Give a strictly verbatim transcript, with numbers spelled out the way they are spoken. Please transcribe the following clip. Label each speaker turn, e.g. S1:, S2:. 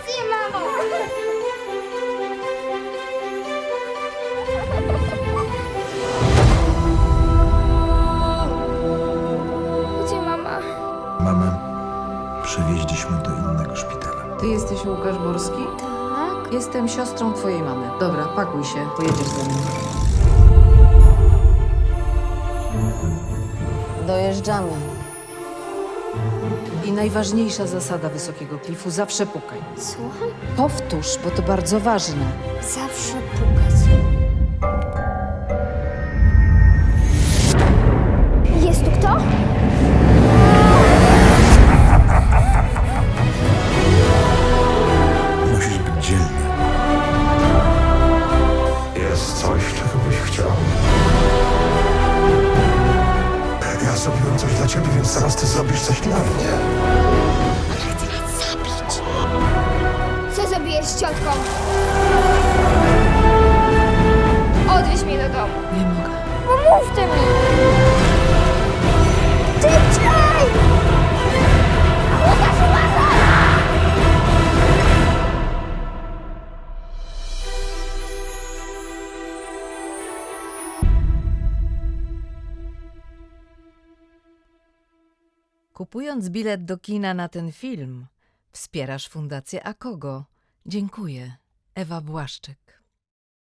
S1: Gratulacje, mamo! Gdzie mama?
S2: Mamę przewieźliśmy do innego szpitala.
S3: Ty jesteś Łukasz Borski?
S1: Tak?
S3: Jestem siostrą twojej mamy. Dobra, pakuj się, pojedziesz ze mną.
S4: Dojeżdżamy.
S3: I najważniejsza zasada wysokiego klifu, zawsze pukaj.
S1: Słucham?
S3: Powtórz, bo to bardzo ważne.
S1: Zawsze pukać. Jest tu kto?
S2: Musisz być dzielny. Jest coś, czego byś chciał. Ja zrobiłem coś dla ciebie, więc teraz ty zrobisz coś dla mnie.
S1: Chce nas zabić. Co zrobiłeś z ciotką? Odwieź mnie do domu.
S3: Nie mogę.
S1: Pomówcie mi! Szybciej! Łukasz, uważaj!
S3: Kupując bilet do kina na ten film, wspierasz Fundację Akogo. Dziękuję. Ewa Błaszczyk.